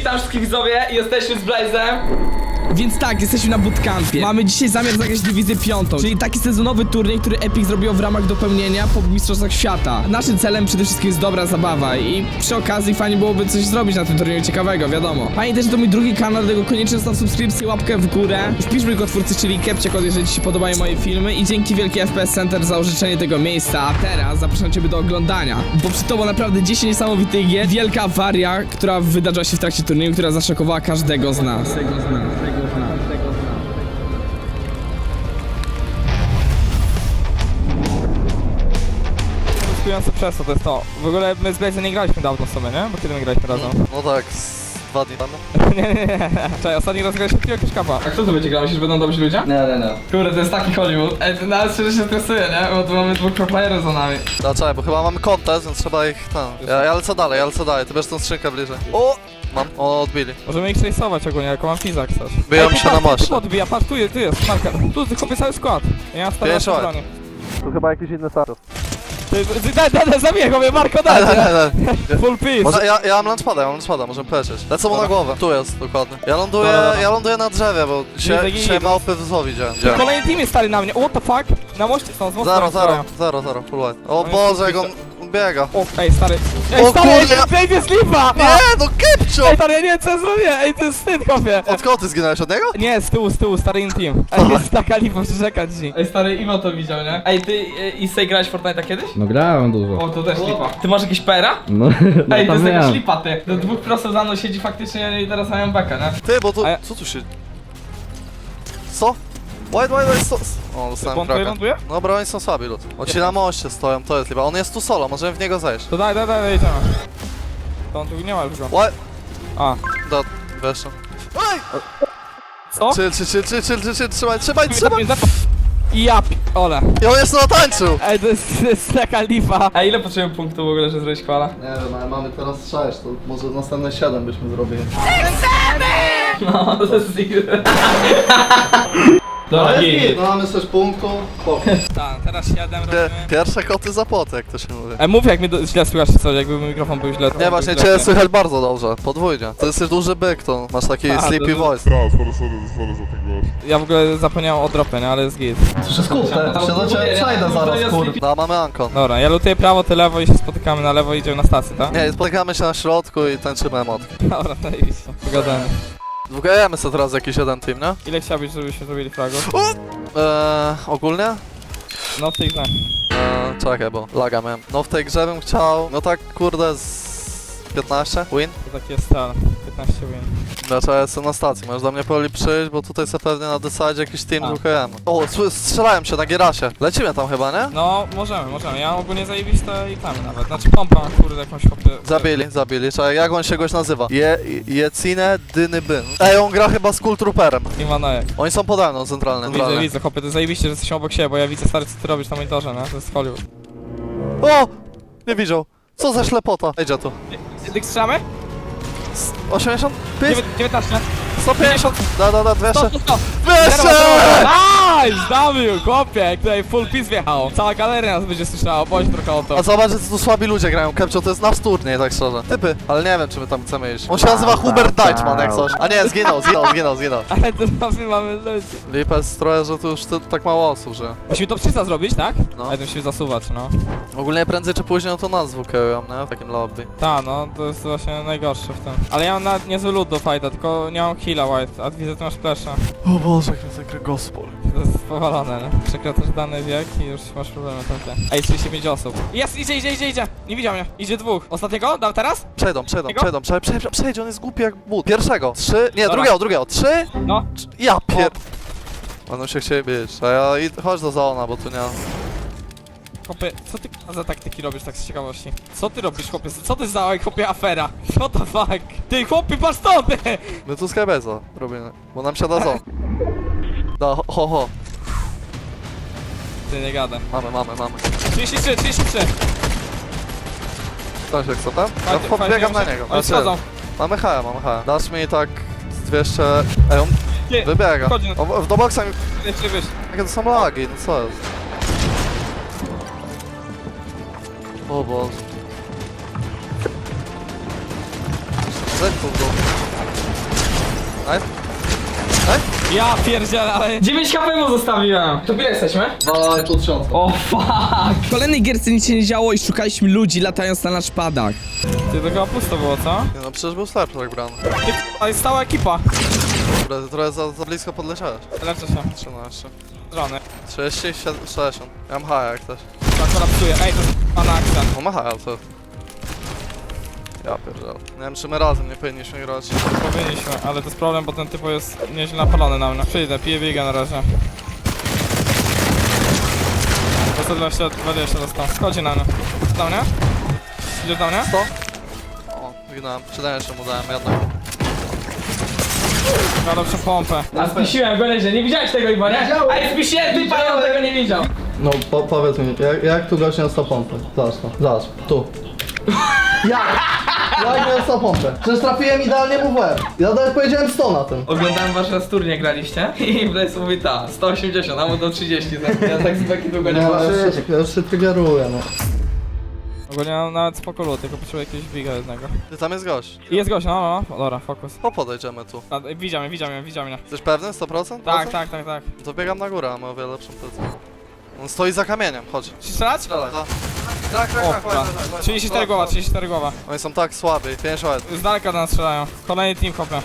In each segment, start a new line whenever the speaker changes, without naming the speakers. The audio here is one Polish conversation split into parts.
Witam wszystkich widzowie, jesteśmy z Blazem. Więc tak, jesteśmy na bootcampie. Mamy dzisiaj zamiar zagrać dywizję 5, czyli taki sezonowy turniej, który Epic zrobił w ramach dopełnienia po Mistrzostwach Świata. Naszym celem przede wszystkim jest dobra zabawa i przy okazji fajnie byłoby coś zrobić na tym turnieju ciekawego, wiadomo. Pamiętaj, że to mój drugi kanał, dlatego koniecznie zostaw subskrypcję, łapkę w górę. Wpisz mój kod twórcy, czyli Kepciakod, jeżeli ci się podobają moje filmy i dzięki wielkie FPS Center za użyczenie tego miejsca. A teraz zapraszam ciebie do oglądania, bo przed tobą naprawdę 10 niesamowitych gier, wielka awaria, która wydarzyła się w trakcie turnieju, która zaszokowała każdego z nas.
Skujące przez to jest to. W ogóle my z Blaze'em nie graliśmy dawno w sumie, nie? Bo kiedy my graliśmy razem?
No tak, z 2 dni temu.
nie. Czekaj, ostatni raz graliśmy jakiegoś kapa.
A kto to będzie grał? Myślisz, że będą dobrzy ludzie?
Nie.
Kurde, to jest taki Hollywood. Ej, to nawet szczerze się stresuje, nie? Bo tu mamy dwóch pro-playerów za nami.
Dlaczego? Bo chyba mamy kontest, więc trzeba ich tam. Ja lecę dalej, ty bierz tą skrzynkę bliżej. O! Mam, odbili.
Możemy ich trace'ować ogólnie, jako mam fizak chcesz.
Biją się na moście.
Tu odbija, patrz, tu jest marker. Tu kopię cały skład. Ja mam stary
Pięć
broni.
Tu chyba jakiś inny status.
Daj, zabiję go, mnie Marko, daj! Full piece.
Może ja mam launchpada, możemy polecieć. Lecę mu na głowę. Tu jest, dokładnie. Ja ląduję na drzewie, bo się małpy w zło widziałem.
Kolejny team jest stary na mnie, what the fuck? Na moście są, z mostu.
Zero, full white. O Boże, jak on biega.
O, ej stary.
O kurde!
Ej, jest lipa!
Nie, no Kepcio!
Ej, stary, ja nie wiem co ja zrobię, ej, to jest wstyd, kopie.
Od kogo ty zginąłeś, od niego?
Nie, z tyłu, stary in team. Ej, jest taka lipa, przeczekać ci.
Ej, stary Iwo to widział, nie? Ej, ty Isej grałeś w Fortnite'a kiedyś?
No grałem dużo.
O, to też lipa. Ty masz jakieś pera?
No, no
Ej, to jest
tam
jakaś
miałem.
lipa, ty. Do dwóch prosów za mną siedzi faktycznie i teraz mają bekę, nie?
Ty, bo tu...
A ja-
Co tu się... Co? White, o, dostałem
Ląduje,
kraka.
ląduje?
Dobra, oni są słabi lud. Oni ci na moście stoją, to jest lipa. On jest tu solo, możemy w niego zejść.
To daj, idziemy. To on tu nie ma już go.
White...
A.
Weszło. Ej!
Co?
Chill, trzymaj!
I ja ole.
I on jeszcze natańczył!
Ej, to jest taka lipa.
A ile potrzebujemy punktów w ogóle, żeby zrobić kwala?
Nie wiem, ale mamy teraz 6, to może następne 7 byśmy zrobili.
No, to jest Dobra,
No mamy 6 punktów.
Tak, teraz 7 robimy.
Pierwsze koty za płot, jak to się mówi.
Mów jak mnie źle słychać czy coś, jakby mój mikrofon był źle.
Nie, właśnie cię słychać bardzo dobrze, podwójnie. To jesteś duży byk, to masz taki
A,
sleepy
to-
voice.
Sorry za ten głos.
Ja w ogóle zapomniałem o dropie, nie, ale jest git.
Się do ciebie przejdę zaraz, kurde. No, mamy Ankon.
Dobra, ja lutuję prawo, ty lewo i się spotykamy na lewo i idziemy na stację, tak?
Nie, spotykamy się na środku i tańczymy emotki.
Dobra, zajebiście. Pogadamy.
Wgrajemy sobie teraz jakiś jeden team, nie?
Ile chciałbyś, żebyśmy zrobili fragów?
Ogólnie?
No w tej grze.
Czekaj, bo laga miałem. No w tej grze bym chciał, no tak kurde z 15 win.
To taki jest stal. 15 win.
Znaczy ja jestem na stacji, możesz do mnie powoli przyjść, bo tutaj sobie pewnie na desadzie jakiś team drukujemy. O, strzelają się na Gierasie. Lecimy tam chyba, nie?
No, możemy. Ja ogólnie zajebiste i tam nawet. Znaczy pompa, kurde, jakąś kopię.
Zabili. Czekaj, jak on się goś nazywa? Jecine Dynybyn. Ej, on gra chyba z Kultrooperem.
I Manojek.
Oni są pode mną centralnie.
Widzę, chłopie, to zajebiście, że jesteśmy obok siebie, bo ja widzę stary, co ty robisz na monitorze, nie? To jest Hollywood.
O! Nie widział. Co za ślepota. Idzie tu.
Ty strzelamy?
80? 5?
19.
150? Da, 200.
100.
200!
Nice! W, chłopie, jak tutaj full piece wjechał. Cała galeria nas będzie słyszała, bądź trochę o to.
A zobacz, że tu słabi ludzie grają. Kepcio to jest nasz turniej, tak szczerze. Typy, ale nie wiem, czy my tam chcemy iść. On się nazywa Hubert Deichmann, jak coś. A nie, zginął.
Ale to my mamy ludzi.
Lipa jest trochę, że tu już tak mało osób, że...
Musimy to 300 zrobić, tak?
No.
Ale to musimy zasuwać, no.
Ogólnie prędzej czy później to nas dwukierują, nie? W takim lobby.
Ta, no, to jest właśnie najgorsze w tym. Ale ja mam nawet niezły loot do fighta, tylko nie mam heala white, a widzę, ty masz flesza.
O Boże, jak mnie ten gospel.
To jest powalone, nie? Przekraczasz dany wiek i już masz problemy takie. Ej, 35 osób. Jest, idzie! Nie widział mnie. Idzie dwóch. Ostatniego? Dam teraz?
Przejdą. Przejdź, on jest głupi jak but. Pierwszego. 3, nie,
Dobra.
drugiego. 3.
No.
Ja pier... Będą się chcieli bić. A ja chodź do zona, bo tu nie...
Chłopie, co ty za taktyki robisz tak z ciekawości? Co ty robisz, chłopie? Co ty za, chłopie, afera? What the fuck? Ty, chłopie, patrz to, ty!
My tu skybeza robimy, bo nam siada zon. Da, ho.
Ty, nie gadam.
Mamy.
33.
Stasiek, co tam? Ja
Fajnie,
podbiegam na
fajnie,
niego.
Oni schodzą.
Mamy H. Dasz mi tak z 200... Ej, on
Ty,
wybiega.
wchodzi na-
O, do boksa mi...
nie wiesz.
Jakie to są lagi, no co jest? O Boże. Zepnął go. Nice.
Ja pierdzielę, ale...
9 HP mu zostawiłem. To ile jesteśmy?
2,5
O fuck. W kolejnej gierce nic się nie działo i szukaliśmy ludzi latając na naszpadach.
Ty to chyba pusto było, co?
Nie no, przecież był Slarp tak brany.
Ty k***a, jest stała ekipa.
Dobra, ty trochę za blisko podleciałeś.
Leczę się.
13.
Żony.
30, 60. Ja mam haja jak coś.
Tak, kolapsuje. Ej, to jest pana akcja.
On ma haja, co? Ja pierdolę. Nie wiem, czy my razem nie powinniśmy grać.
Powinniśmy, ale to jest problem, bo ten typu jest nieźle napalony na mnie. Przyjdę, piję biega na razie. To 120 dostał. Schodzi na mnie. Do mnie? Idziesz do mnie?
100? O, wygnałem. 70 mu dałem, jednak.
Ma lepszą pompę.
A spisiłem go nieźle, nie widziałeś tego chyba, nie? A spisiłem, ty pan tego nie widział.
No powiedz mi, jak tu gość miał 100 pompy? Zobacz to, zobacz, tu. Jak? Jak miał 100 pompę? Przecież trafiłem idealnie mu w łeb. Ja nawet powiedziałem 100 na tym.
Oglądałem wasz raz turniej graliście i Blaze mówi ta, 180, a mu do 30, ja tak z beki długo nie patrzę.
Ja już się triggeruję, no.
Ogólnie mam nawet spoko loot, tylko potrzebuję jakiegoś biga jednego.
Ty tam jest gość.
I jest gość, no. Dobra, fokus.
Po podejdziemy tu.
A, widział mnie.
Jesteś pewny? 100%?
Tak.
To biegam na górę, a my o wiele lepszą pozycję. On stoi za kamieniem, chodź.
Czy strzelać?
Tak,
O, dobra. 34 głowa.
Oni są tak słabi, 5 łeb.
Z daleka do nas strzelają. Kolejny team hopie.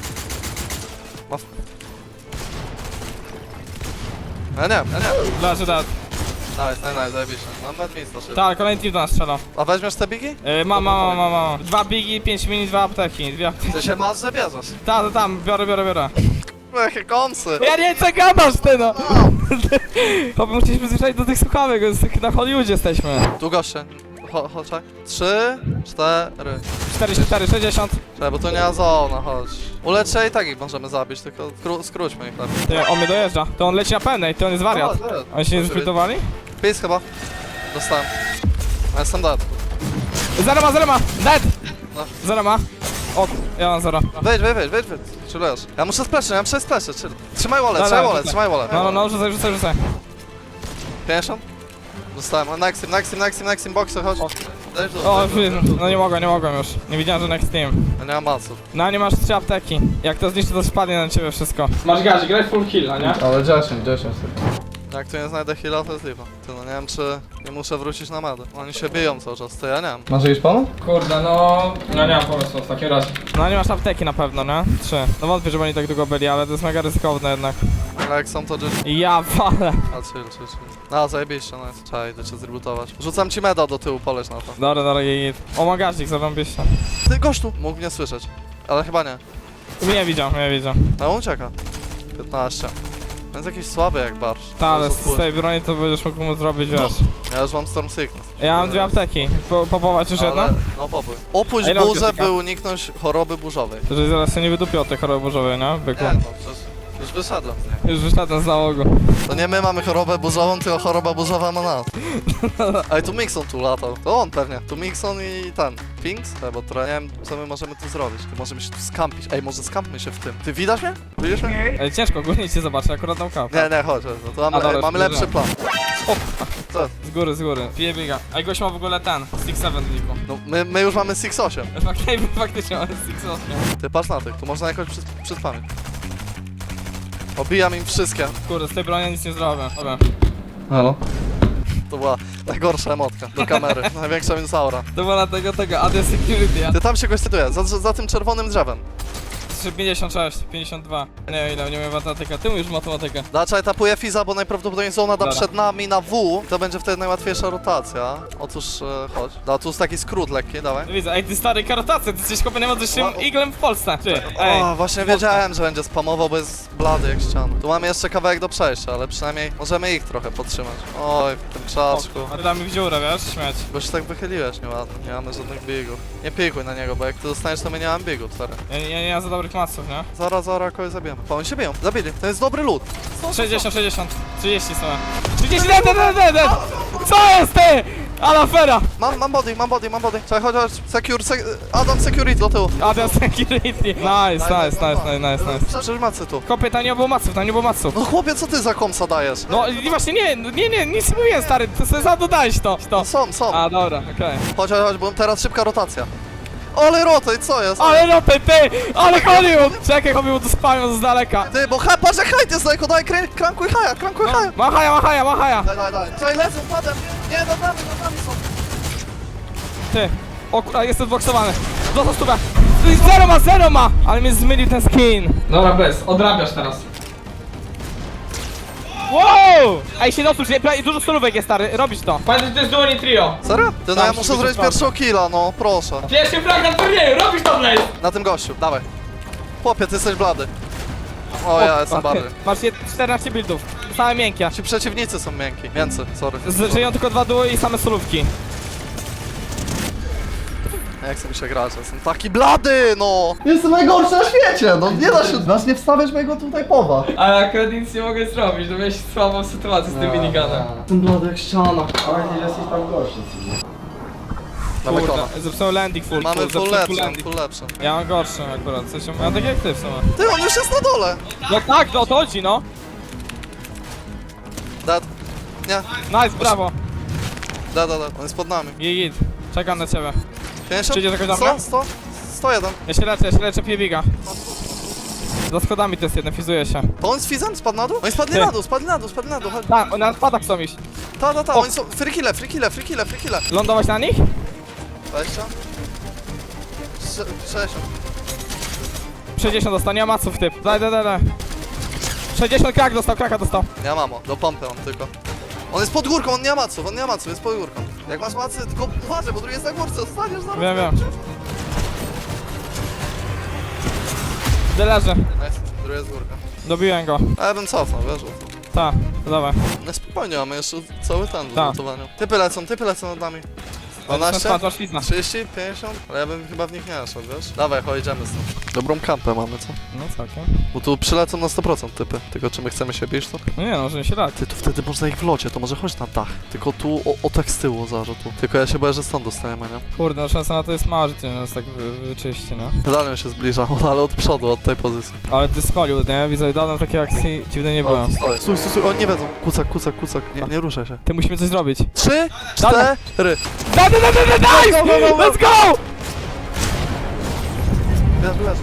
Ja nie.
Leży dead.
Nice, zajebiście. Mam nawet miejsce szybko.
Tak, kolejny team do nas strzela.
A weźmiesz te bigi?
Mam. 2 bigi, 5 mini, 2 apteki. 2 apteki.
Ty się masz, że bierzesz.
Tam, biorę.
Jakie kąsy.
Ja nie wiem, co gadasz ty no! Chłopie, musieliśmy przyzwyczaić do tych słuchawek, na Hollywoodzie jesteśmy.
Tu goście. Chodź. 3, 4.
44, 60.
Czekaj, bo to nie zona, chodź. Uleczę i tak ich możemy zabić, tylko skróćmy ich lepiej.
Ty, on mnie dojeżdża. To on leci na pełnej, to on jest wariat. Oni się nie zesplitowali?
Pis chyba. Dostałem. Ja jestem dead.
Zero ma! Dead!
No.
Zero ma. O, ja mam zero.
Wejdź. Chillujesz. Ja muszę splashy, chill. Trzymaj wallet,
Dobra,
trzymaj wallet.
No, rzucaj.
50? Dostałem. Next team, boxer, chodź. Daj w dół,
O,
daj w dół.
no nie mogłem już. Nie widziałem, że next team.
Ja nie mam maców.
No, nie masz 3 apteki. Jak to zniszczy, to spadnie na ciebie wszystko.
Masz gazi, graj full heal, nie?
Ale 10
Jak tu nie znajdę heal'a, to jest lipa. Ty no nie wiem, czy nie muszę wrócić na medę. Oni się biją cały czas, to ja nie mam.
Masz jakiś pomysł?
Kurde, no nie mam pomysłu w takim razie.
No, nie masz apteki na pewno, nie? 3. No wątpię, żeby oni tak długo byli, ale to jest mega ryzykowne jednak.
Ale jak są to GG.
Ja walę.
A chill. No zajebiście, nice. Trzeba, idę cię zrebootować. Rzucam ci meda do tyłu, poleć na to.
Dobra, jej. O, magaźnik, zarąbiście.
Ty gościu! Mógł mnie słyszeć. Ale chyba nie.
Nie widział.
No ucieka. 15. Więc jakiś słaby jak barsz.
Ta, ale
Może
z tej broni to będziesz mógł mu zrobić, wiesz.
Ja już mam Storm Sickness.
Ja mam 2 apteki. Popować już jedno?
Ale- No popuj. Opuść
Ej, no,
burzę,
piosenka.
by uniknąć choroby burzowej.
Że zaraz się nie wydupił od tej choroby burzowej, nie? Byku.
Nie, no przecież już wyszedłem.
Już wyszedłem z załogu.
To nie my mamy chorobę burzową, tylko choroba burzowa ma nas. Ej, tu Mixon tu latał. To on pewnie. Tu Mixon i ten. Finks? Bo trochę nie wiem, co my możemy tu zrobić. Ty możemy się tu skampić. Ej, może skampmy się w tym. Ty widzisz mnie? Widzisz mnie?
Ej, ciężko, ogólnie cię zobaczę, akurat dał kawę.
Nie, chodź. No to mamy,
A, dobra,
mamy
już
lepszy plan. O, co?
Z góry. Pije biega. Ej, gość ma w ogóle ten, 6-7 liku.
No, my już mamy 6-8.
Faktycznie mamy 6-8.
Ty patrz na tych, tu można jakoś przyspamić. Obijam im wszystkie.
Kurde, z tej broni nic nie zrobię. Dobra.
Halo?
To była najgorsza emotka do kamery. Największa minus aura.
To było na tego, AD Security, ja.
Ty tam się goś cytuje, za tym czerwonym drzewem.
56, 52. Nie, ile, nie umiem matematyka. Ty mówisz matematykę.
Dlaczego etapuje Fiza, bo najprawdopodobniej zona da
Dobra.
przed nami na W. To będzie wtedy najłatwiejsza rotacja. Otóż, chodź. Da, tu jest taki skrót lekki, dawaj.
No widzę, ej, ty stary karotację, ty jesteś kopie najmocniejszym iglem w Polsce. Ty, ej.
O, właśnie wiedziałem, że będzie spamował, bo jest blady jak ściana. Tu mamy jeszcze kawałek do przejścia, ale przynajmniej możemy ich trochę podtrzymać. Oj, w tym krzaczku.
A ty damy w dziurę, wiesz, śmieć.
Bo się tak wychyliłeś nieładnie, nie mamy żadnych bigów. Nie pikuj na niego, bo jak ty dostaniesz, to my nie mamy bigów, stary.
Ja nie mam za dobrych maców, nie?
Zaraz kogoś zabijemy. Pa, oni się biją, zabili, to jest dobry lód.
60, 30 są. 30, dead! Co jest ty? Ale afera!
Mam body. Czekaj, chodź, Adam security do tyłu.
AD Security. Nice.
Przecież macy tu.
Kopie, tam nie było maców,
No chłopie, co ty za komsa dajesz?
No i właśnie nie, nic nie mówiłem, stary, to sobie sam dodałeś to.
Są.
A, dobra, okej.
Chodź, bo teraz szybka rotacja. Ale rotaj, co jest?
Ale no ty! Ale Hollywood! Czekaj, Hollywood to spamią z daleka.
Ty, bo patrz jak hajt jest daleko, daj krankuj haja, krankuj haja.
Ma haja!
Daj. Czekaj, lecą, padem. Nie, nad nami są.
Ty! O kurwa, jestem boksowany. Dostał stówę. Zero ma! Ale mnie zmylił ten skin.
Dobra, bez, odrabiasz teraz.
Wow! Ej, się dosusz, dużo solówek jest, stary, robisz to.
Pamiętaj, to jest duo, nie trio.
Serio? Ty, no
Tam
ja
się
muszę
będzie
zrobić
sprawdzał.
pierwszego killa, no, proszę.
Pierwszy frag na turnieju, robisz to, Blaze!
Na tym gościu, dawaj. Chłopie, ty jesteś blady. O, ja jestem barwy.
Masz 14 buildów, same miękkie.
Ci przeciwnicy są miękki. Więcej, sorry.
Żyją tylko 2 duo i same solówki.
Jak chcę mi się grać, jestem taki blady, no!
Jestem najgorszy na świecie, no nie da się. Masz nie wstawiać mojego tutaj powa.
Ale akurat nic nie mogę zrobić, no miałeś słabą sytuację z tym miniganem.
Ten blady jak ściana.
Dawaj kona.
Kurde, zepsułem landing full.
Mamy full
zepsułem
lepszy,
landing.
full lepszy.
Ja mam gorszy akurat, w sensie, ja tak jak ty w sumie.
Ty, on już jest na dole!
No tak, no to chodzi, no.
Dead. Nie,
Nice, brawo.
dead. On jest pod nami.
Git, czekam na ciebie.
50?
Przyjdzie do końca?
100? 101.
Ja się leczę Piebiga. Za schodami to jest jeden, fizuje się.
To on jest fizem? Spadł na dół? Oni spadli
Ty.
na dół, spadli na dół. Chodź.
Tak, na spadach chcą iść.
Ta,
O.
oni są... Free kille.
Lądować na nich?
20. 60.
60 dostał, nie ma maców typ. Daj. 60 kraka dostał.
Ja mamo, do pompy on tylko. On jest pod górką, on nie ma maców, jest pod górką. Jak masz macy, tylko uważaj, bo drugi jest na górce, zostaniesz zaraz.
Wiem. Leży.
Nice, drugi jest górka.
Dobiłem go.
A ja bym cofnął, wiesz?
Tak, to dawaj.
No spokojnie, mamy jeszcze cały ten do
Tak.
zlutowania. Typy lecą nad nami. 12?
Masz ślizna.
30? 50? Ale ja bym chyba w nich nie szedł, wiesz? Dawaj, chodź, idziemy stąd. Dobrą kampę mamy, co?
No całkiem.
Bo tu przylecą na 100% typy. Tylko czy my chcemy się bić, to?
No nie no, że się da.
Ty, tu wtedy można ich w locie, to może chodź na dach. Tylko tu, o tak z tyłu, zaraz tu. Tylko ja się boję, że stąd dostajemy, nie?
Kurde, no szansa na to jest mała, że ty nas tak wyczyści, no.
Dalej się zbliża, ale od przodu, od tej pozycji.
Ale ty z Hollywood, nie? Widzę, dawno takiej akcji dziwnej nie było.
Stój, oni nie wiedzą. Kucak. Nie ruszaj się.
Ty musimy coś zrobić.
3,
Dawaj.
4.
Daj! Let's go!
Leż.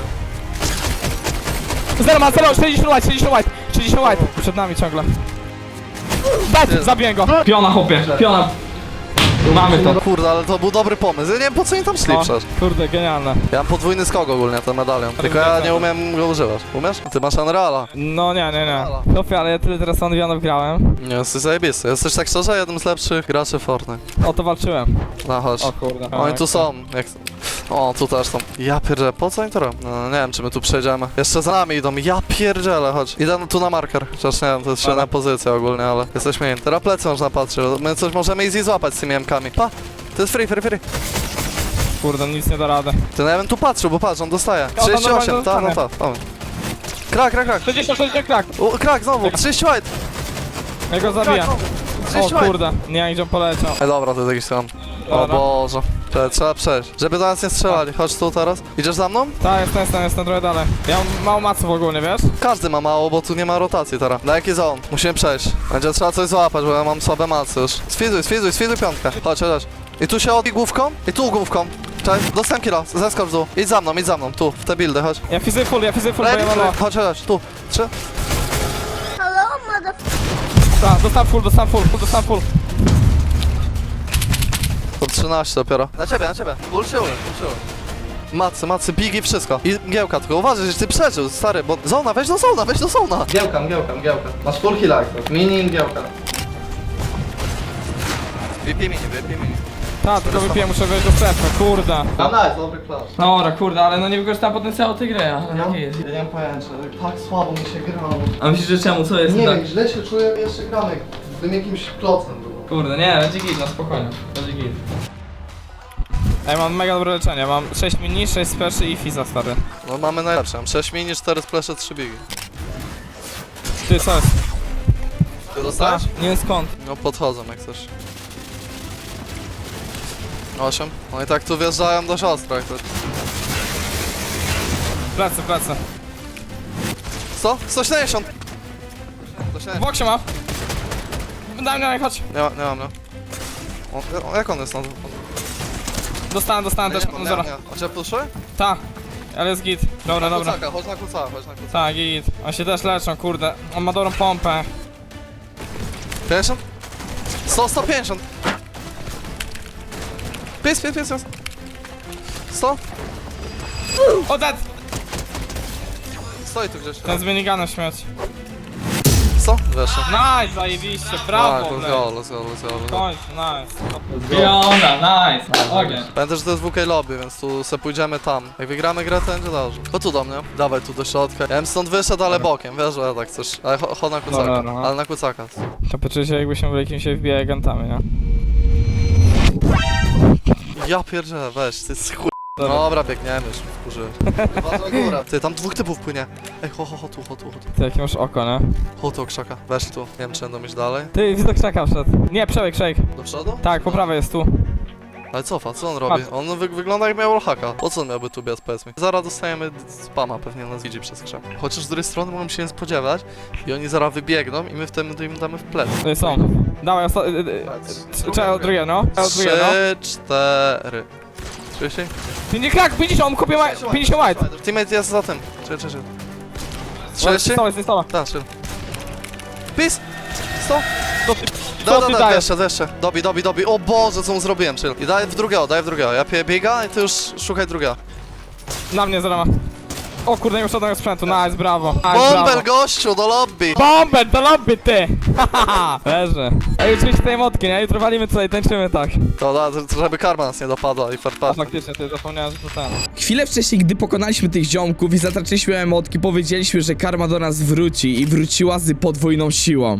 Zero ma, 60 white. Przed nami ciągle. Dead, zabiję go.
Piona, chłopie, piona. Mamy to.
No kurde, ale to był dobry pomysł. Ja nie wiem po co oni tam szli
O,
przecież.
kurde, genialne.
Ja mam podwójny skok ogólnie, ten medalion. Tylko ja nie umiem go używać. Umiesz? Ty masz Unreala.
No nie. Chłopie, ale ja tyle teraz Onwionów grałem.
Nie, jesteś zajebisty. Jesteś tak szczerze jednym z lepszych graczy Fortnite.
O to walczyłem.
No chodź.
O kurde.
Oni tu są. Jak... O, tu też są. Ja pierdzielę, po co oni to robią? No nie wiem, czy my tu przejdziemy. Jeszcze za nami idą. Ja pierdzielę, chodź. Idę tu na marker. Chociaż nie wiem, to jest średnia pozycja ogólnie, ale jesteśmy in. Teraz plecy można patrzeć. My coś możemy easy złapać z tymi M-kami. Pa! To jest free.
Kurde, nic nie da rady.
Ty, no ja bym tu patrzył, bo patrz, on dostaje.
Ja tam
38,
normalnie
ta. Krak.
60 krak.
O, krak znowu, 30 white.
Ja go zabiję.
Krak,
O
30 white.
kurde, nie jak gdzie on poleciał.
Ej, dobra, to jest jakiś tam. O
Dobra.
Boże. Trzeba przejść. Żeby do nas nie strzelali. Chodź tu teraz. Idziesz za mną?
Tak, jestem trochę dalej. Ja mam mało maców ogólnie, wiesz?
Każdy ma mało, bo tu nie ma rotacji teraz. Na jaki zone? Musimy przejść. Będzie trzeba coś złapać, bo ja mam słabe macy już. Sfizuj piątkę. Chodź. I tu się odbij główką. I tu główką. Cześć, dostałem killa. Zeskocz w dół. Idź za mną. Tu, w te buildy, chodź.
Ja fizyj full, bo ja mam mało.
Chodź, tu. 3.
Tak, dostałem full.
To 13 dopiero. Na ciebie. Ulczyły. Macy, bigi, wszystko. I mgiełka, tylko uważaj, że ty przeżył, stary, bo zona, weź do zona.
Mgiełka. Masz full heal active. Mini i mgiełka.
Wypij mini.
Tak, tylko wypiję, muszę wejść do strefy, kurde.
No nice, dobry clash.
Dobra, kurde, ale no nie wykorzystałem potencjału tej gry, ale jaki jest?
Ja nie mam pojęcia, tak słabo mi się grało.
A myślisz, że czemu? Co jest
Nie
tak?
wiem, źle się czuję, jeszcze gramy. Tym jakimś klocem było.
Kurde, nie, będzie git, no spokojnie. Będzie git.
Ej, mam mega dobre leczenie, mam 6 mini, 6 spleszy i fiza, stary.
No mamy najlepsze, mam 6 mini, 4 splesze, 3 bigi.
Ty, co jest?
Ty dostałeś?
Nie wiem skąd.
No podchodzą jak coś. 8. No i tak tu wjeżdżają do siostry jak to.
Plecy.
170!
W boksie ma. Daj mnie, chodź.
Nie mam, no. Jak on jest na to?
Dostałem też, mam zero.
A cię puszy?
Ta, ale jest git. Dobra, dobra.
Kucaka, chodź na kucaka, chodź na kucaka.
Tak, git. On się też leczą, kurde. On ma dobrą pompę.
50? 150. Pies. 100?
O, dead!
Stoi tu gdzieś.
Ten z miniganem śmieć.
100? Weszło.
Nice, zajebiście, brawo,
Let's
Blade.
go, let's go.
Kończ, nice. Fiona, nice. Ogień.
Pamiętaj, że to jest WK lobby, więc tu se pójdziemy tam. Jak wygramy grę, to będzie dobrze. Chodź tu do mnie. Dawaj tu do środka. Ja bym stąd wyszedł, ale bokiem, wiesz, że ja tak chcesz. Ale chodź na kucaka.
Dobra, no.
Ale na kucaka.
To poczuję się, jakbyśmy byli jakimś FBI agentami, nie?
Ja pierdzielę, weź, ty jest chuj.
Dobra.
Dobra, biegniemy już, wkurzyłem. Góra. Ty, tam dwóch typów płynie. Ej, tu.
Ty, jakie masz oko, nie?
Chodź tu, krzaka. Weź tu. Nie wiem, czy będą iść dalej.
Ty, widzę krzaka wszedł. Nie, przebieg.
Do przodu?
Tak, po prawej jest tu.
Ale cofa, co on robi?
Patrz.
On wygląda jak miał wallhacka. Po co on miałby tu biec, powiedz mi? Zaraz dostajemy spama pewnie na widzi przez krzak. Chociaż z drugiej strony mogą się nie spodziewać i oni zaraz wybiegną i my wtedy im damy w plec.
Tutaj są. Dawaj, trzeba drugie, no. Trzeba drugie, no.
3, 4. Czujesz się?
Ty nie krak, 50, on kopie 50 white.
Teammate jest za tym. Czekaj. 30?
Jest stoła.
Tak, chill. Peace! 100!
Co ty
Da,
dajesz?
jeszcze. Dobi. O Boże, co mu zrobiłem, chill. I daj w drugiego. Ja piję biega i ty już szukaj drugiego.
Na mnie zero ma. O kurde, nie już żadnego sprzętu, nice, brawo. Nice,
Bomber,
brawo.
gościu, do lobby!
Bomber, do lobby, ty! Hahaha, leży. Ej, oczywiście tej motki, nie? Jutro walimy tutaj, tańczymy tak.
To da, żeby karma nas nie dopadła i
A
farta.
faktycznie, ty zapomniałem, że to ten.
Chwilę wcześniej, gdy pokonaliśmy tych ziomków i zatraczyliśmy emotki, powiedzieliśmy, że karma do nas wróci i wróciła z podwójną siłą.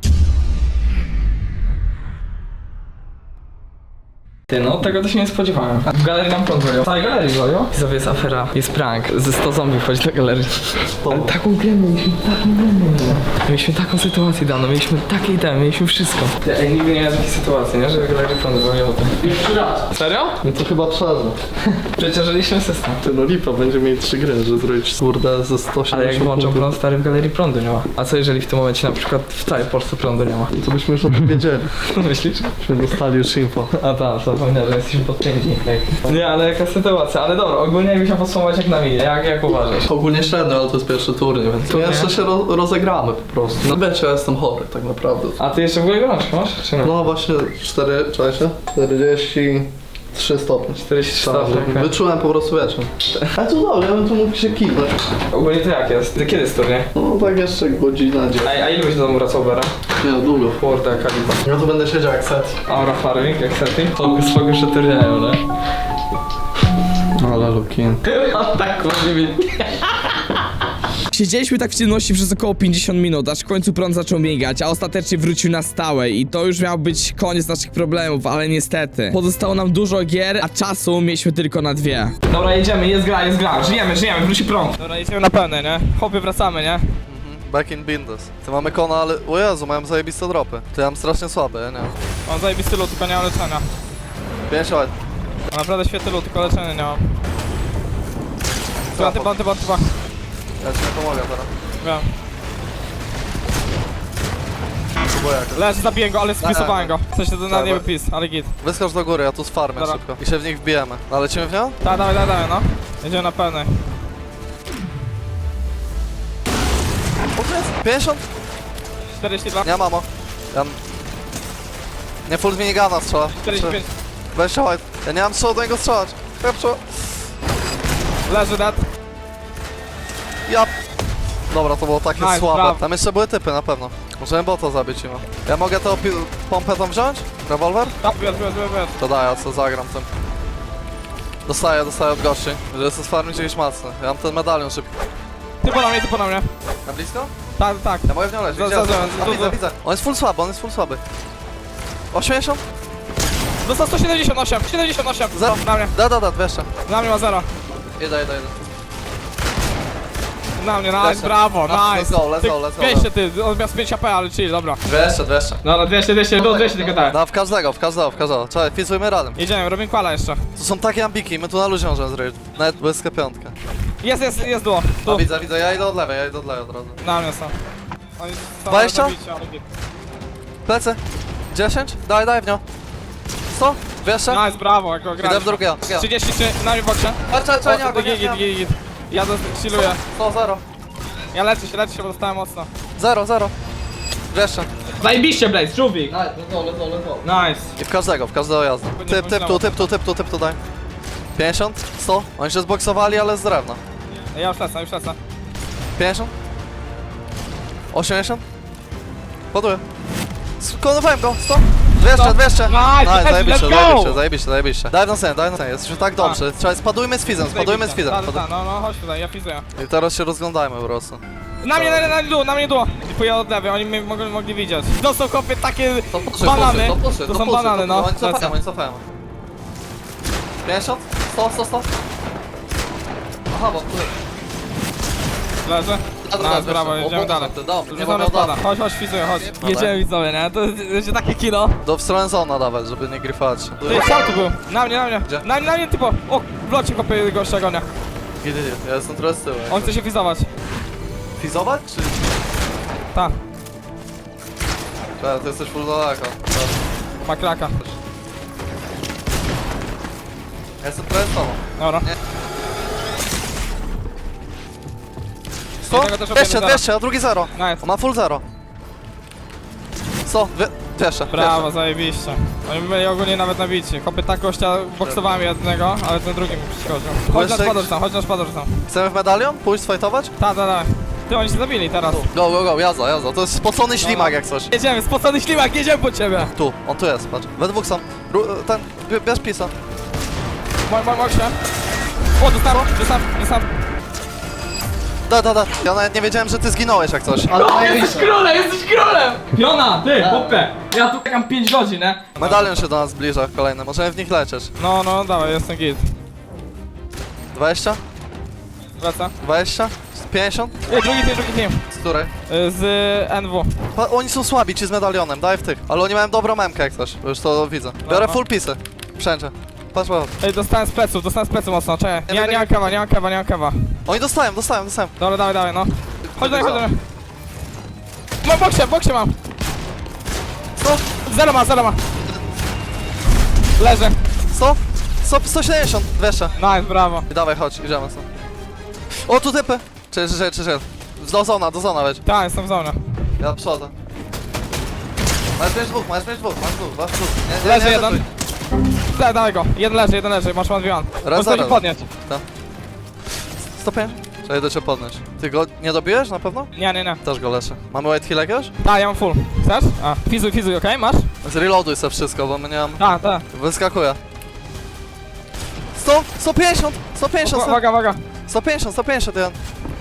Ty, no tego to się nie spodziewałem. W galerii nam prąd wolią. W całej galerii wolią? Widzowie, jest afera, jest prank. Ze 100 zombie wchodzi do galerii. Ale taką grę mieliśmy taką sytuację daną, mieliśmy takie itemy, mieliśmy wszystko. Ej, nigdy nie miałem takiej sytuacji, nie? Że w galerii prąd wolią. Pierwszy raz. Serio?
No to chyba przerwę.
Przecieżyliśmy system.
Ty no lipa, będzie mieli 3 gry, że zrobić kurde ze 170.
Ale jak włączą prąd, stary, w galerii prądu nie ma. A co jeżeli w tym momencie na przykład w całej Polsce prądu nie ma?
To byśmy już o tym wiedzieli.
Myślisz?
Byśmy dostali już info.
A tak, zapomniałem, że jesteśmy podpięci. Nie, ale jaka sytuacja, ale dobra, ogólnie jakbyś miał podsumować jak na minie, jak uważasz?
Ogólnie średnio, ale to jest pierwszy turniej, więc
Turniej?
jeszcze się rozegramy po prostu. No wiecie, ja jestem chory tak naprawdę.
A ty jeszcze w ogóle gorączkę masz, czy nie?
No właśnie 43 stopnie.
43
Tak,
stopnie, okej.
Wyczułem po prostu wieczór. Ale to dobrze, ja bym tu mógł się kiwnąć.
Ogólnie to jak jest? Ty kiedy jest turniej?
No tak jeszcze godzina, dzień.
A ile byś do domu wracał, Bera?
Nie no, długo.
Kurde, jaka lipa.
Ja tu będę siedział jak set.
Aura farming, jak setting? Swego jeszcze turnieju, nie?
Ale Lukin.
A tak, może być.
Siedzieliśmy tak w ciemności przez około 50 minut, aż w końcu prąd zaczął migać, a ostatecznie wrócił na stałe i to już miał być koniec naszych problemów, ale niestety. Pozostało nam dużo gier, a czasu mieliśmy tylko na 2.
Dobra, jedziemy, jest gra, żyjemy, wróci prąd. Dobra, jedziemy na pełne, nie? Hopy, wracamy, nie?
Back in Bindes. Ty mamy kona, ale... O Jezu, mają zajebiste dropy. Ty mam strasznie słabe, ja nie wiem.
Mam zajebisty loot, tylko nie mam leczenia.
5 lat.
Mam naprawdę świetny loot, tylko leczenia nie mam. Banty.
Ja ci nie pomogę teraz.
Wiem.
Próbuję jakoś.
Leży, zabiję go, ale spisowałem go. W sensie to na nie
Dobra.
wypis, ale git.
Wyskocz do góry, ja tu sfarmię
Dobra.
szybko. I się w nich wbijemy. No, lecimy w nią?
Dawaj, no. Jedziemy na pełnej.
O, to jest 50?
42,
Nie, mamo. Ja... Nie, full z minigana strzela.
45.
Weź się, chodź. Ja nie mam strzału do niego strzelać. Pepczo.
Leży dead.
Ja... Dobra, to było takie
Nice,
słabe.
brawo.
Tam jeszcze były typy na pewno. Możemy bota zabić im. Ja mogę tę pompę tam wziąć? Rewolwer?
Tak, biorę.
To daj, ja co zagram tym. Dostaję od gości. Że jest farmić jakieś mocne. Ja mam ten medalion szybki.
Ty po na mnie.
Na blisko?
Tak.
Ja mogę w nią leżeć.
Za-
Gdzie?
za- za-
Widzę. On jest full słaby. 80?
Dostał 178, 78.
Za-
Na mnie,
Da, 200.
na mnie ma 0.
Idę.
Na mnie, nice,
Lecę.
brawo,
Let's
nice.
go, let's go.
200 ty, on miał z 5 AP, ale chill, dobra.
200.
Dobra, 200, do 200 tylko tak.
No, w każdego. Czekaj, fizujmy razem.
Jedziemy, robimy kwala jeszcze.
Tu są takie ambiki, my tu na luzie możemy zrobić. Nawet bez piątkę.
Jest duo.
No
Tu,
widzę, ja idę od lewej od razu.
na mnie są. Oni są
20?
zabici, ale git.
Plecy. 10? Daj w nią. 100? Wiesz co?
Nice, brawo, jako gra.
Idę w drugiego.
33, na mnie boksie.
Czekaj, nie,
Git. Ja chilluję.
To 0.
Ja leczę się, bo dostałem mocno.
0, 0. Wiesz co?
Zajebiście, Blaze, żółwik.
Nice, let's go.
Nice.
I w każdego jazda. Typ tu daj. 50, 100. Oni się zboksowali, ale z drewna.
Ja już lecę.
50. 80. Poduję. Skonowałem go, 100. 200.
Nice,
Zajebiście. Daj na sen. Jesteśmy tak dobrzy. Trzeba, spadujmy z fizem.
No, chodź tutaj, ja fizuję.
I teraz się rozglądajmy po prostu.
Na mnie dół. Dziękuję od lewej, oni mnie mogli widzieć. To są kopie takie banany. To są banany, no.
Oni cofają. 50, 100. Aha, bo tu.
Leży. Nice, brawo, jedziemy dalej. Rzucamy spada. Chodź, fizuję, chodź. Jedziemy widzowie, nie? To jest takie kino.
W stronę zona dawać, żeby nie gryfać.
Ty, szał tu był. Na mnie.
Gdzie?
Na mnie typo. O, w locie kopie gościa gonia.
Gdzie? Ja jestem trochę z tyłu.
On chce się fizować.
Fizować, czy...
Ta,
Tak, ty jesteś full daleko.
ma kraka.
Ja jestem trochę z tobą.
Dobra.
100,
Jednego też obiemy
200, a drugi 0.
Nice.
On ma full 0. 100, 200.
Brawo, zajebiście. Oni byli ogólnie nawet nabici. Kopy tak gościa boksowałem jednego, ale ten drugi mi przeszkodził. Chodź na spador tam.
Chcemy w medalion? Pójść sfajtować?
Ta. Ty, oni się zabili teraz.
Go, jazda. To jest spocony ślimak jak coś.
Jedziemy, spocony ślimak, jedziemy po ciebie.
Tu, on tu jest, patrz. We dwóch są. Ten, bierz pisa.
Mok się. O, dostałem.
Da. Ja nawet nie wiedziałem, że ty zginąłeś jak coś.
Jesteś królem! Piona, ty, hopę. Ja tu czekam 5 godzin, nie?
Medalion się do nas zbliża kolejny, możemy w nich lecieć.
No, dawaj, jestem git.
20?
Wraca.
20? 50?
Drugi team.
Z której?
Z NW.
Oni są słabi ci z medalionem, daj w tych. Ale oni mają dobrą memkę jak coś, już to widzę. Biorę
No.
full pisy. Wszędzie. Patrz.
Ej, dostałem z pleców mocno, czekaj. Nie mam kawa.
Oni dostają.
Dobra, dawaj, no. Chodź do mnie. Boksie mam.
Co?
Zero ma. Leży.
170, 200.
Nice, brawo.
I dawaj, chodź, idziemy stąd. O, tu typy! Czy. Do zona weź.
Tak, jestem w zonie.
Ja przodzę. Masz mieć dwóch. Nie,
Leży
nie,
jeden. Dawaj go. Jeden leży, masz one v one.
Raz,
Możesz
raz.
podnieść.
Stopień? Trzeba idę cię podnieść. Ty go nie dobiłeś na pewno?
Nie.
Też go leczę. Mamy white heal jakiegoś?
Tak, ja mam full. Chcesz? A, fizuj, okej? Masz?
Zreloaduj sobie wszystko, bo my nie mam...
Tak.
Wyskakuje. 150! 150!
Uwaga.
150, jeden.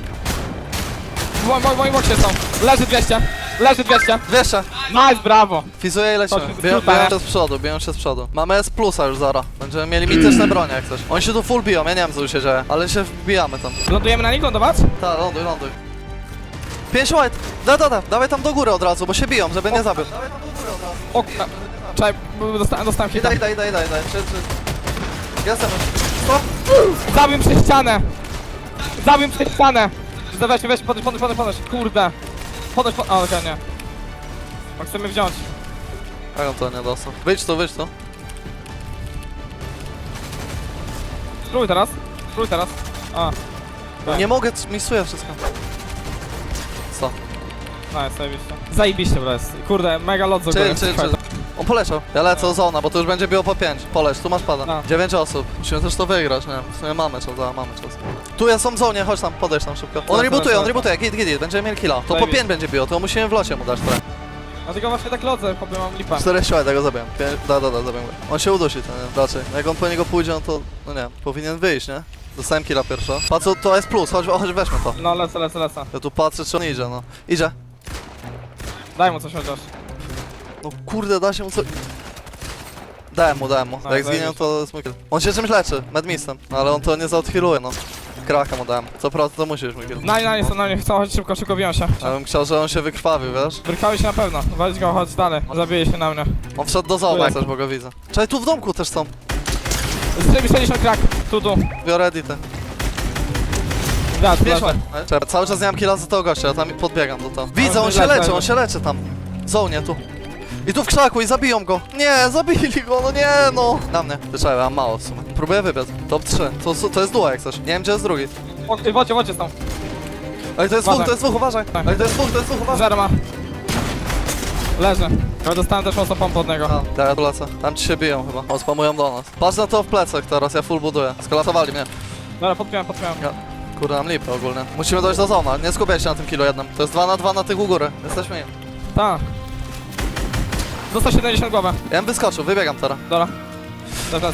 W moim boksie są. Leży 200.
200!
Nice, brawo.
Fizuję i lecimy.
Chodź,
Biją
skróta,
się z przodu. Mamy S plusa już zara. Będziemy mieli mityczne bronie jak coś. Oni się tu full biją, ja nie wiem co tu się dzieje. Ale się wbijamy tam.
Lądujemy na nich, lądować?
Tak, ląduj. 5 white! Dawaj tam do góry od razu, bo się biją, żeby nie zabił.
O, czekaj, dostałem hita.
Daj. Jestem.
Zabił przez ścianę. Weź, podnoś. Kurde. Podnoś. O, okej, nie. On chce mnie wziąć.
Jak on to nie dostał? Wyjdź tu.
Spróbuj teraz. A,
Nie mogę, misuję wszystko. Co?
zajebiście, bro. Kurde, mega lot z ogóle.
Chill. On poleciał. Ja lecę zona, bo to już będzie biło po 5. Poleć, tu masz pada.
No.
9 osób. Musimy też to wygrać, nie? W sumie mamy czas. Tu ja są w zonie, chodź tam, podejdź tam szybko. On rebootuje, git, będziemy mieli killa. To po
Zajebiście.
5 będzie biło, to musimy w locie mu dać trochę.
Dlatego właśnie tak lodzę, chłopie, mam lipa.
4 siły, tego zabiłem. Zabiłem go. On się udusi, to nie, raczej. Jak on po niego pójdzie, no to, no nie, powinien wyjść, nie? Dostałem killa pierwsza. Patrz, to jest plus, chodź weźmy to.
No, lecę.
Ja tu patrzę, czy on idzie, no. Idzie.
Daj mu coś chociaż.
No kurde, da się mu coś... Dałem mu.
No,
Jak zginie, to jest mój kill. On się czymś leczy, medmistem, no, ale on to nie zaodhealuje, no. Kraka mu dałem. Co prawda to musisz mój kill.
Na nie, chcą, chodź szybko biją się.
Ja bym chciał, że on się wykrwawił, wiesz?
Wyrkały się na pewno. Weź go, chodź dalej. Zabije się na mnie.
On wszedł do zona, jak coś, bo go widzę. Czekaj, tu w domku też są.
60 krak. Tu.
Biorę edity.
Da, tu
Wiesz,
leżę.
czekaj, cały czas nie mam killa za tego gościa, ja tam podbiegam do to. Widzę, on się leczy tam. W zonie, tu. I tu w krzaku i zabiją go. Nie, zabili go, no nie no. Na mnie. Wyczekaj, mam mało w sumie. Próbuję wybiec. Top 3. To jest duo jak coś. Nie wiem gdzie jest drugi.
Wodzie są.
Ej, to jest dwóch, uważaj.
Tak.
Ej, to jest dwóch, uważaj.
Zero ma. Leży. Ja dostałem też mocno pompę od niego.
A, ja tu lecę. Tam ci się biją chyba. O, spamują do nas. Patrz na to w plecach teraz, ja full buduję. Skolasowali mnie.
Dobra, podpiąłem.
Ja. Kurde, nam lipę ogólnie. Musimy dojść do zona. Nie skupiaj się na tym kilo jednym. To jest 2 na 2 na tych u góry. Jesteśmy im.
Tak. Dostał 70 głowę.
Ja bym wyskoczył, wybiegam teraz.
Dobra. Teraz.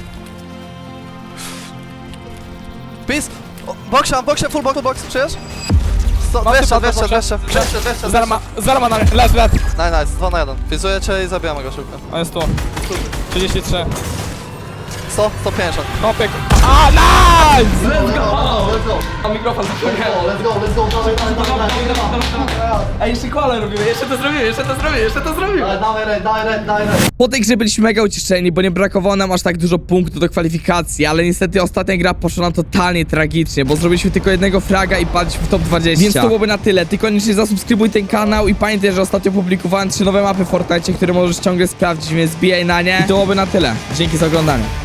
Peace! Boksia, full box, przyjesz? 200.
Zero ma na mnie. Leż.
Nice, 2 na 1. Fizuję cię i zabijamy go szybko.
On jest tu. 33.
150.
Kopyk. A, nice!
Let's go!
A mikrofon
Let's go!
Ej, jeszcze koala robimy, jeszcze to zrobimy.
Dawaj red.
Po tej grze byliśmy mega ucieszeni, bo nie brakowało nam aż tak dużo punktów do kwalifikacji, ale niestety ostatnia gra poszła nam totalnie tragicznie, bo zrobiliśmy tylko jednego fraga i padliśmy w top 20. Więc to byłoby na tyle. Ty koniecznie zasubskrybuj ten kanał i pamiętaj, że ostatnio publikowałem 3 nowe mapy w Fortnite, które możesz ciągle sprawdzić, więc zbijaj na nie. I to byłoby na tyle. Dzięki za oglądanie.